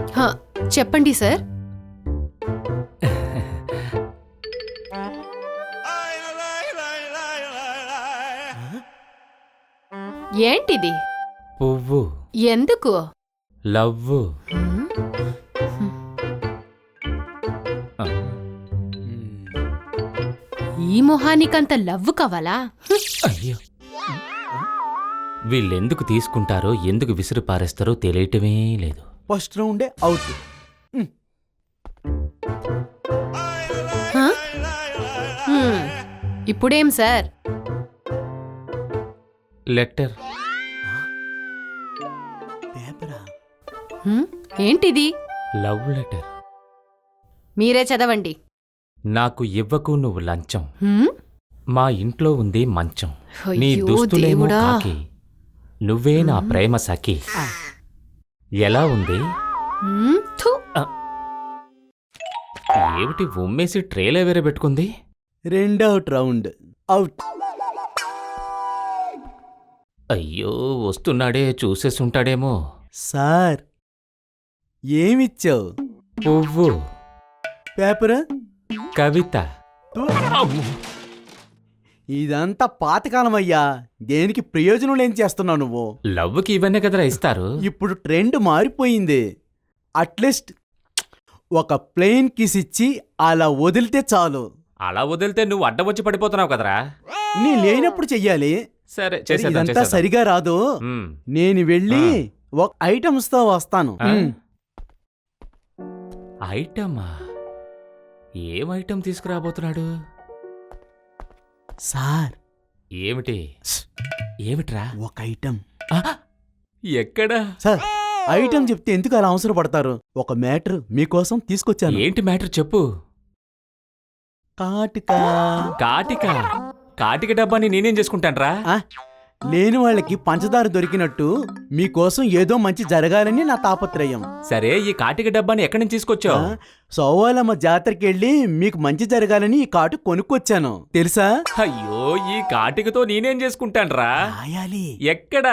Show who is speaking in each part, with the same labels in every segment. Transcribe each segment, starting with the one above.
Speaker 1: చెప్పండి సార్. ఏంటిది?
Speaker 2: పువ్వు.
Speaker 1: ఎందుకు?
Speaker 2: లవ్వు.
Speaker 1: ఈ మొహానికంత లవ్వు కావాలా?
Speaker 2: అయ్యో, వీళ్ళెందుకు తీసుకుంటారో ఎందుకు విసిరి పారేస్తారో తెలియటమే లేదు.
Speaker 3: ఫస్ట్ రౌండే అవుట్.
Speaker 1: ఇప్పుడేం సార్?
Speaker 2: లెటర్.
Speaker 3: పేపరా?
Speaker 1: ఏంటిది?
Speaker 2: Love letter.
Speaker 1: మీరే చదవండి.
Speaker 2: నాకు ఇవ్వకు నువ్వు లంచం,
Speaker 1: హ్మ్?
Speaker 2: మా ఇంట్లో ఉంది మంచం, నీ
Speaker 1: అయ్యో
Speaker 2: దుస్తులేమో
Speaker 1: దేవుడా.
Speaker 2: కాకి, నువ్వే నా ప్రేమ సఖి. ఎలా ఉంది?
Speaker 1: థు.
Speaker 2: ఏమిటి ఉమ్మేసి ట్రేలే వేరే పెట్టుకుంది?
Speaker 3: రెండవుట్ రౌండ్ అవుట్.
Speaker 2: అయ్యో, వస్తున్నాడే, చూసేసుంటాడేమో.
Speaker 3: సార్ ఏమిచ్చావు?
Speaker 2: పువ్వు.
Speaker 3: పేపర్?
Speaker 2: కవిత.
Speaker 3: ఇదంతా పాతకాలం అయ్యా, దేనికి ప్రయోజనం లేని చేస్తున్నావు నువ్వు.
Speaker 2: లవ్వుకి ఇవన్నీ కదరా ఇస్తారు.
Speaker 3: ఇప్పుడు ట్రెండ్ మారిపోయింది. అట్లీస్ట్ ఒక ప్లెయిన్ కిస్ ఇచ్చి అలా వదిలితే చాలు.
Speaker 2: అలా వదిలితే నువ్వు అడ్డం వచ్చి పడిపోతున్నావు కదరా.
Speaker 3: నీ లేనప్పుడు చెయ్యాలి.
Speaker 2: సరే,
Speaker 3: ఇదంతా సరిగా రాదు. నేను వెళ్ళి ఒక ఐటమ్స్ తో వస్తాను.
Speaker 2: ఐటమా? ఏం ఐటమ్ తీసుకురాబోతున్నాడు?
Speaker 3: సార్.
Speaker 2: ఏమిటి? ఏమిట్రా?
Speaker 3: ఒక ఐటమ్.
Speaker 2: ఎక్కడా?
Speaker 3: సార్, ఐటమ్ చెప్తే ఎందుకు అలా అవసరం పడతారు? ఒక మ్యాటర్ మీకోసం తీసుకొచ్చాను.
Speaker 2: ఏంటి మ్యాటర్ చెప్పు.
Speaker 3: కాటిక.
Speaker 2: కాటిక? కాటిక డబ్బాని నేనేం చేసుకుంటాన్రా?
Speaker 3: లేని వాళ్ళకి పంచదార దొరికినట్టు మీకోసం ఏదో మంచి జరగాలని నా తాపత్రయం.
Speaker 2: సరే, ఈ కాటిక డబ్బాని ఎక్కడి నుంచి తీసుకొచ్చావు?
Speaker 3: సోవాలమ్మ జాతరకి వెళ్ళి మీకు మంచి జరగాలని ఈ కాటు కొనుక్కొచ్చాను, తెలుసా?
Speaker 2: అయ్యో, ఈ కాటికతో నేనేం చేసుకుంటాన్రా?
Speaker 3: రాయాలి.
Speaker 2: ఎక్కడా?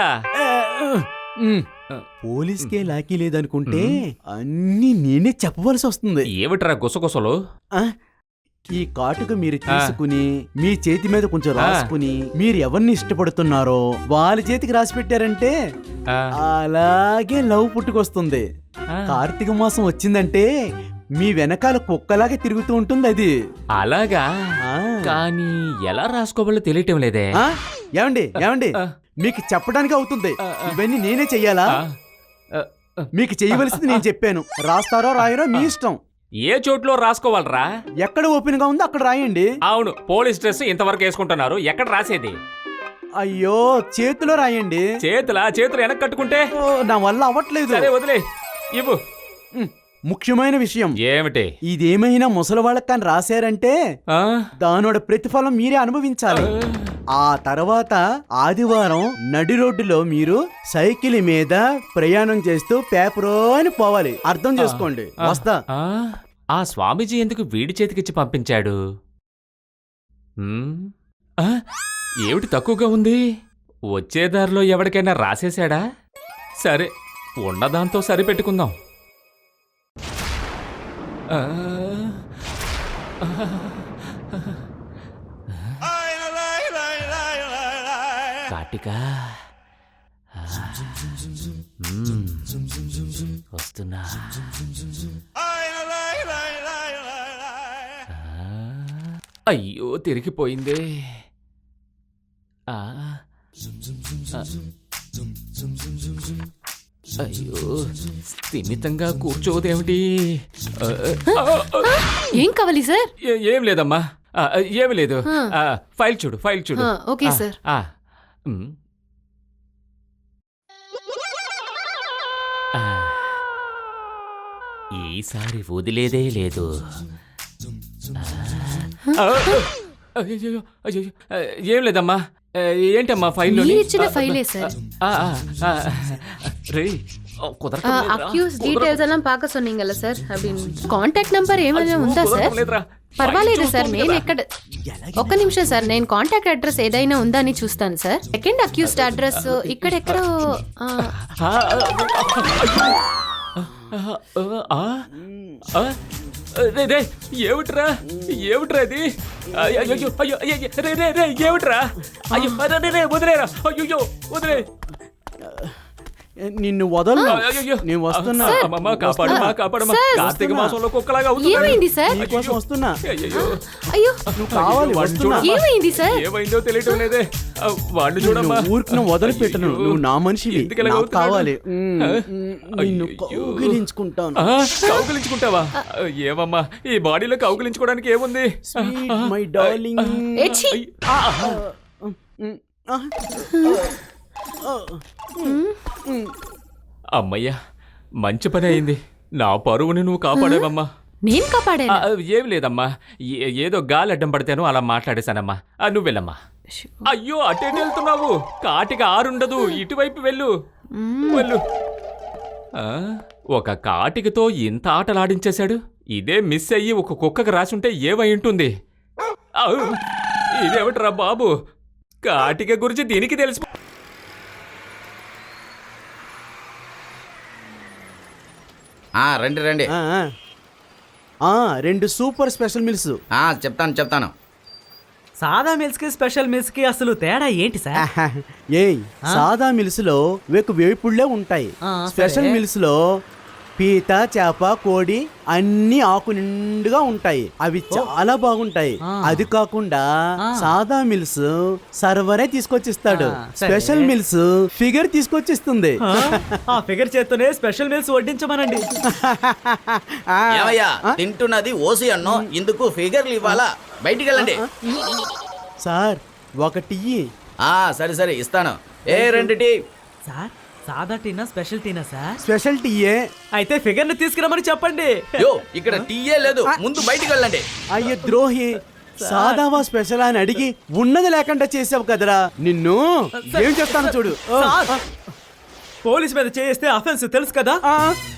Speaker 3: పోలీస్కే లాకీ లేదనుకుంటే అన్నీ నేనే చెప్పవలసి వస్తుంది.
Speaker 2: ఏమిట్రా గుసగుసలు?
Speaker 3: ఈ కాటుక మీరు తీసుకుని మీ చేతి మీద కొంచెం రాసుకుని మీరు ఎవరిని ఇష్టపడుతున్నారో వాళ్ళ చేతికి రాసి పెట్టారంటే అలాగే లవ్ పుట్టుకొస్తుంది. కార్తీక మాసం వచ్చిందంటే మీ వెనకాల కుక్కలాగే తిరుగుతూ ఉంటుంది అది.
Speaker 2: అలాగా? కానీ ఎలా రాసుకోవాలో తెలియటం లేదే.
Speaker 3: ఏమండి ఏమండి, మీకు చెప్పడానికి అవుతుంది. ఇవన్నీ నేనే చెయ్యాలా? మీకు చెయ్యవలసింది నేను చెప్పాను. రాస్తారో రాయరో మీ ఇష్టం.
Speaker 2: ఏ చోట్లో రాసుకోవాలరా?
Speaker 3: ఎక్కడ ఓపెన్ గా ఉందో అక్కడ రాయండి.
Speaker 2: అవును, పోలీస్ డ్రెస్ ఇంతవరకు వేసుకుంటున్నారు, ఎక్కడ రాసేది?
Speaker 3: అయ్యో, చేతిలో రాయండి.
Speaker 2: చేతులు వెనక్కి కట్టుకుంటే
Speaker 3: నా వల్ల అవ్వట్లేదు.
Speaker 2: సరే, వదిలే. ఇవ్వు.
Speaker 3: ముఖ్యమైన విషయం.
Speaker 2: ఏమిటి?
Speaker 3: ఇదేమైనా ముసలి వాళ్ళకి కానీ రాశారంటే దానోட ప్రతిఫలం మీరే అనుభవించాలి. ఆ తర్వాత ఆదివారం నడి రోడ్డులో మీరు సైకిల్ మీద ప్రయాణం చేస్తూ పేపరో అని పోవాలి. అర్థం చేసుకోండి. వస్తా.
Speaker 2: ఆ స్వామీజీ ఎందుకు వీడి చేతికిచ్చి పంపించాడు? ఏమిటి తక్కువగా ఉంది? వచ్చేదారిలో ఎవరికైనా రాసేశాడా? సరే, ఉన్నదాంతో సరిపెట్టుకుందాం. కాటిక వస్తున్నా. అయ్యో, తిరిగిపోయిందే. అయ్యో, స్థిమితంగా కూర్చోదేమిటి?
Speaker 1: ఏం కావాలి సార్?
Speaker 2: ఏం లేదమ్మా, ఏమి లేదు. ఫైల్ చూడు, ఫైల్ చూడు.
Speaker 1: Okay sir.
Speaker 2: ఈసారి వదిలేదే లేదు. ఏం లేదమ్మా. ఏంటమ్మా ఫైల్లో?
Speaker 1: ఇచ్చిన ఫైలే సార్. அக்யூஸ் டீடைல்ஸ் எல்லாம் பார்க்க சொன்னீங்கல்ல சார்? కాంటాక్ట్ నంబర్ ఏమైనా ఉందా సార్? పర్వాలేదు సార్, నేను ఎక్కడ ఒక్క నిమిషం సార్, నేను కాంటాక్ట్ అడ్రస్ ఏదైనా ఉందా అని చూస్తాను సార్. సెకండ్ అక్యూస్డ్ అడ్రస్ ఇక్కడెక్కడో.
Speaker 2: రే రే ఏమిట్రా ఏమిట్రా ఇది అయ్యో అయ్యో అయ్యో రే రే రే ఏమిట్రా అయ్యో రే రే వదిలేరా అయ్యో వదిలే
Speaker 3: నిన్ను వదలను.
Speaker 2: అయ్యయ్యో.
Speaker 3: నేను వస్తున్నా.
Speaker 2: అమ్మమ్మ కాపాడమ్మా కాపాడమ్మా కార్తీక మాసంలో కుక్కలాగా అవుతుంది
Speaker 1: ఏమైంది సార్?
Speaker 3: నీకోసం వస్తున్నా.
Speaker 2: అయ్యయ్యో.
Speaker 1: అయ్యో
Speaker 3: నువ్వు కావాలి,
Speaker 2: వాడిని
Speaker 3: వస్తున్నా.
Speaker 2: చూడమ్మా.
Speaker 1: ఏమైంది సార్?
Speaker 2: ఏమైందో తెలియటం లేదే వాడిని చూడమ్మా
Speaker 3: ఊరికి వదిలిపెట్టను.
Speaker 2: అయ్యో.
Speaker 3: నువ్వు నా మనిషివి.
Speaker 2: ఎందుకు ఇలాగ
Speaker 3: నాకు
Speaker 2: అవుతున్నాడు?
Speaker 3: కావాలి. నిన్ను
Speaker 2: అయ్యో.
Speaker 3: కౌగిలించుకుంటాను.
Speaker 2: కౌగిలించుకుంటావా ఏమమ్మా ఈ బాడీలో కౌగిలించుకోవడానికి ఏముంది
Speaker 3: Sweet, my darling.
Speaker 1: ఏచ్చి.
Speaker 2: అమ్మయ్యా మంచి పని అయింది నా పరువుని నువ్వు కాపాడేవమ్మా
Speaker 1: నేను కాపాడాను.
Speaker 2: ఏం లేదమ్మా ఏదో గాలి అడ్డం పడితేనో అలా మాట్లాడేశానమ్మా నువ్వు వెళ్ళమ్మా అయ్యో అటే వెళ్తున్నావు కాటికి ఆరుండదు ఇటువైపు వెళ్ళు వెళ్ళు ఒక కాటికతో ఇంత ఆటలాడించేశాడు ఇదే మిస్ అయ్యి ఒక కుక్కకు రాసుంటే ఏమై ఉంటుంది ఇదేమిట్రా బాబు కాటిక గురించి దీనికి తెలిసి
Speaker 4: రండి రండి.
Speaker 3: 2 సూపర్ స్పెషల్ మిల్స్.
Speaker 4: చెప్తాను.
Speaker 5: సాదా మిల్స్ కి స్పెషల్ మిల్స్ కి అసలు తేడా ఏంటి సార్?
Speaker 3: ఏయ్ సాదా మిల్స్ లో వేపుళ్లే ఉంటాయి. స్పెషల్
Speaker 5: సరే.
Speaker 3: మిల్స్ లో పీత చేప కోడి అన్ని ఆకు నిండుగా ఉంటాయి. అవి చాలా బాగుంటాయి. అది కాకుండా సాదా మిల్స్ సర్వరే తీసుకొచ్చిస్తాడు.
Speaker 5: సరే.
Speaker 3: స్పెషల్ మిల్స్ ఫిగర్ తీసుకొచ్చిస్తుంది.
Speaker 5: ఆ ఫిగర్ చేత్తోనే స్పెషల్ మిల్స్ వడ్డించమనండి.
Speaker 4: ఏమయ్యా తింటున్నది ఓసి అన్నో ఇందుకు ఫిగర్లు ఇవ్వాలా? బయటికి వెళ్ళండి.
Speaker 3: సార్ ఒకటి
Speaker 4: సరే ఇస్తాను. 2 టీ.
Speaker 5: సార్ సాదా టీనా స్పెషల్ టీనా సార్?
Speaker 3: స్పెషల్ టీయే.
Speaker 5: అయితే ఫిగర్ ని తీసుకురమని చెప్పండి.
Speaker 4: యో ఇక్కడ టీయే లేదు, ముందు బయటికి వెళ్ళండి.
Speaker 3: అయ్యో ద్రోహి, సాదావా స్పెషల్ అని అడిగి ఉన్నది లేకుండా చేసావు కదరా. నిన్ను ఏం చేస్తాను చూడు.
Speaker 5: సార్, పోలీస్ మీద చేస్తే అఫెన్స్ తెలుసు కదా.